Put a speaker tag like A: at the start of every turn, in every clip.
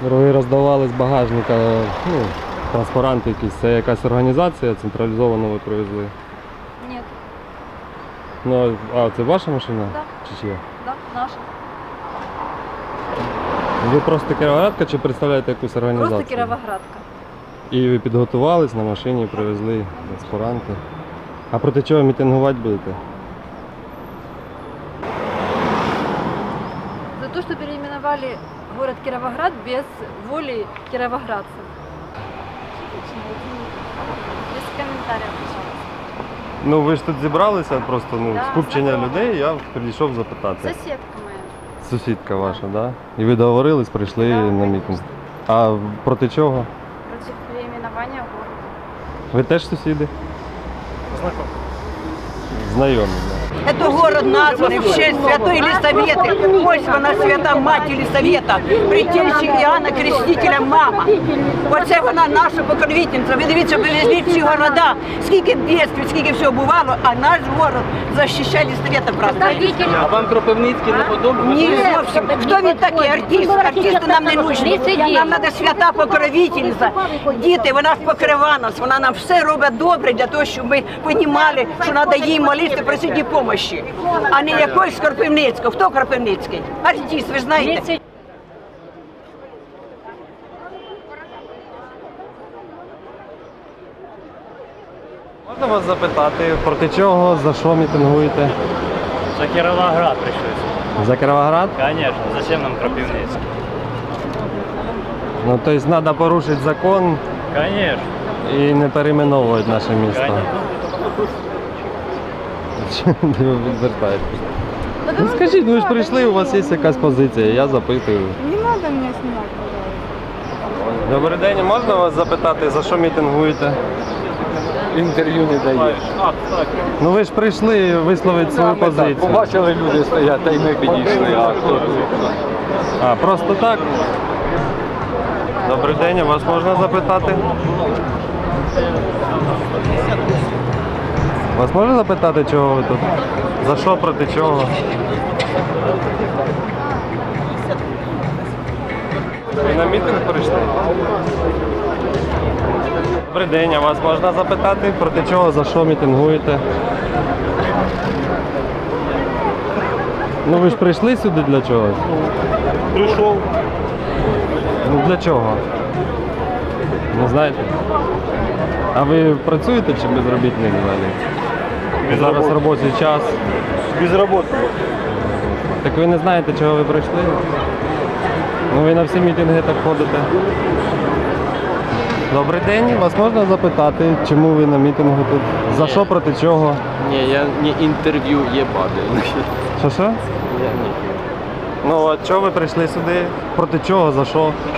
A: Ви роздавали з багажника, ну, транспаранти якісь. Це якась організація, централізовано ви привезли?
B: Нет.
A: Ну, а це ваша машина?
B: Да.
A: Чи чия?
B: Да, наша.
A: Ви просто кіровоградка чи представляєте якусь організацію?
B: Просто Кіровоградка.
A: І ви підготувались на машині, привезли транспаранти. А проти чого мітингувати будете?
B: За то, что переименовали город Кировоград без воли кировоградцев. Без комментариев, пожалуйста.
A: Ну ви ж тут зібралися, просто
B: Да,
A: скупчення
B: знакома.
A: людей, я підійшов запитати.
B: Соседка моя.
A: Сусідка ваша, так? Да? І ви договорились, прийшли
B: Да,
A: на мітинг. А проти чого?
B: Против переименования города.
A: Ви теж сусіди? Знайомі, так.
C: Это город названный в честь Святой Елисаветы. Ось вона свята мать Елисавета, притільчі Іоанна Крестителя мама. Оце вона наша покровительниця. Ви дивіться, вивезли всі города, скільки бідствів, скільки всього бувало, а наш город захищає Елисавета, правда?
D: А вам Кропивницький не подобається?
C: Ні, зовсім. Хто він такий? Артист. Артисти нам не нужні. Нам треба свята покровительниця. Діти, вона ж покрива нас, вона нам все робить добре для того, щоб ми розуміли, що треба їй молитися, просити допомоги. А не якогось Кропивницького. Хто Кропивницький? Артист, ви ж знаєте.
A: Можна вас запитати, проти чого, за що мітингуєте?
D: За Кіровоград прийшлося.
A: За Кіровоград?
D: Конечно, зачем нам Кропивницький?
A: Ну, тобто треба порушити закон
D: Конечно.
A: і не перейменовувати наше місто. Чому ви відвертаєтесь? Ну скажіть, ви ж прийшли, у вас є якась позиція, я запитую.
E: Не надо меня снимать, пожалуйста.
A: Добрий день, можна вас запитати, за що мітингуєте?
F: Інтерв'ю не даєш.
A: Ну ви ж прийшли висловити свою позицію.
F: Побачили, люди стоять, та й ми підійшли, а хто тут?
A: А, просто так? Добрий день, вас можна запитати? Вас можна запитати, чого ви тут? За що, проти чого? Ви на мітинг прийшли? Добрий день, а вас можна запитати, проти чого, за що мітингуєте? Ну ви ж прийшли сюди для чогось?
F: Прийшов.
A: Ну для чого? Не знаєте? А ви працюєте чи безробітний взагалі? Зараз робочий час.
F: Без роботи.
A: Так ви не знаєте, чого ви прийшли? Ну ви на всі мітинги так ходите. Добрий день, вас можна запитати, чому ви на мітингу тут? За що, проти чого?
G: Не, я не интервью ебаный.
A: Що?
G: Я не.
A: Ну а чого ви прийшли сюди? Проти чого, за що?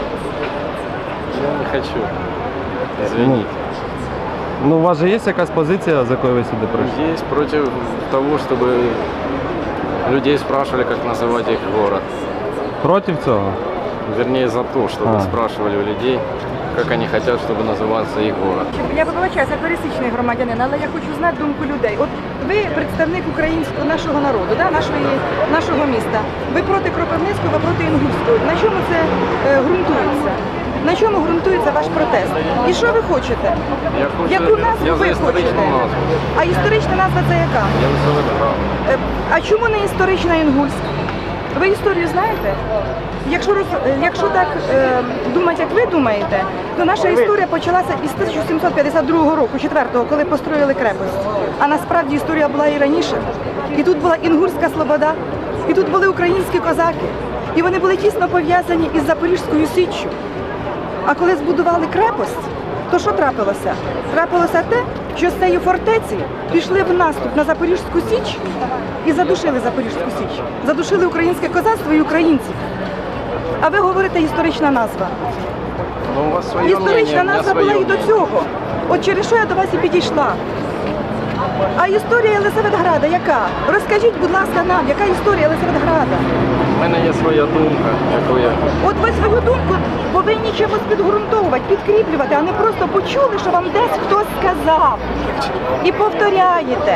G: Я не хочу. Извините.
A: Ну у вас же є якась позиція, за якою ви сюди прийшли?
G: Есть против того, чтобы людей спрашивали, как называть их город.
A: Проти цього?
G: Вернее, за то, чтобы
A: А.
G: спрашивали у людей, как они хотят, чтобы назывался их город.
E: Я вибачаюся, пересічний громадянин, але я хочу знати думку людей. От ви представник українського нашого народу, да, нашого міста. Ви проти Кропивницького, ви проти Інгульського. На чому це ґрунтується? На чому ґрунтується ваш протест? І що ви хочете?
G: Я хочу,
E: Яку назву
G: я
E: ви
G: за історичну
E: хочете?
G: назву.
E: А історична назва це яка?
G: Я за своє право.
E: А чому не історична Інгульська? Ви історію знаєте? Якщо так думати, як ви думаєте, то наша історія почалася із 1752 року, 4-го, коли построїли крепость. А насправді історія була і раніше. І тут була Інгульська Слобода, і тут були українські козаки. І вони були тісно пов'язані із Запорізькою Січчю. А коли збудували крепость, то що трапилося? Трапилося те, що з цієї фортеці пішли в наступ на Запорізьку Січ і задушили Запорізьку Січ. Задушили українське козацтво і українців. А ви говорите історична назва.
G: Ну, у вас своє мнение,
E: Історична
G: у меня
E: назва
G: своє
E: була і до
G: мнение.
E: цього. От через що я до вас і підійшла. А історія Єлисаветграда яка? Розкажіть, будь ласка, нам, яка історія Єлисаветграда?
G: У мене є своя думка, яку я...
E: От ви свою думку повинні чимось підґрунтовувати, підкріплювати, а не просто почули, що вам десь хтось сказав. І повторяєте.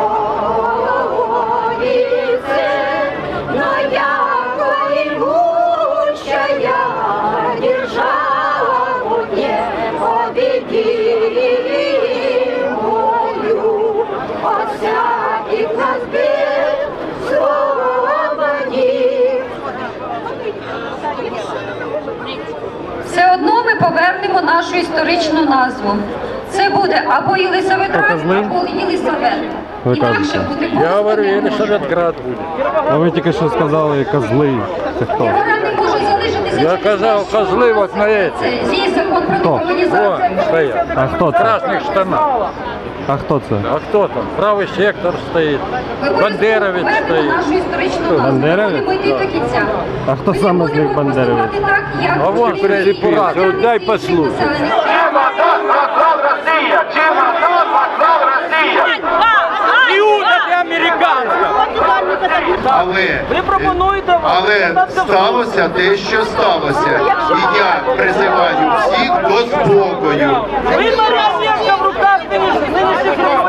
H: На якої всяких нас бід, свободі.
I: Все одно ми повернемо нашу історичну назву. Це буде або Єлисаветград,
A: Козли?
I: або Єлисавета.
A: Ви
I: Інакше
A: кажете.
I: буде
F: Я говорю,
I: Козли.
F: Єлисаветград буде.
A: А ви тільки що сказали козли. Це хто?
I: Вона не може залишитися.
F: Я
I: через
F: казав,
I: те, що
F: козли
I: у нас
F: от на эти.
I: це є закон про
A: Хто?
F: Вон
I: декомунізацію.
F: стоят.
A: А хто
F: В
A: це?
F: красных штанах.
A: А хто це?
F: А кто там? Правый сектор стоит.
I: Ми
F: Бандеровец
I: повернемо
F: стоит.
I: нашу історичну назву.
A: Бандеровець?
I: Ми будемо йти до кінця.
A: А хто
I: Ми
A: саме з них
I: будемо
A: бандеровець?
I: поступати так, як
F: А вон
I: українські
F: Пресіпурат.
I: громадяни
F: Дай
I: всіх
F: послухай.
I: населених
J: Але сталося те, що сталося. І я призиваю всіх до спокою.
C: Ви мене в руках нинішніх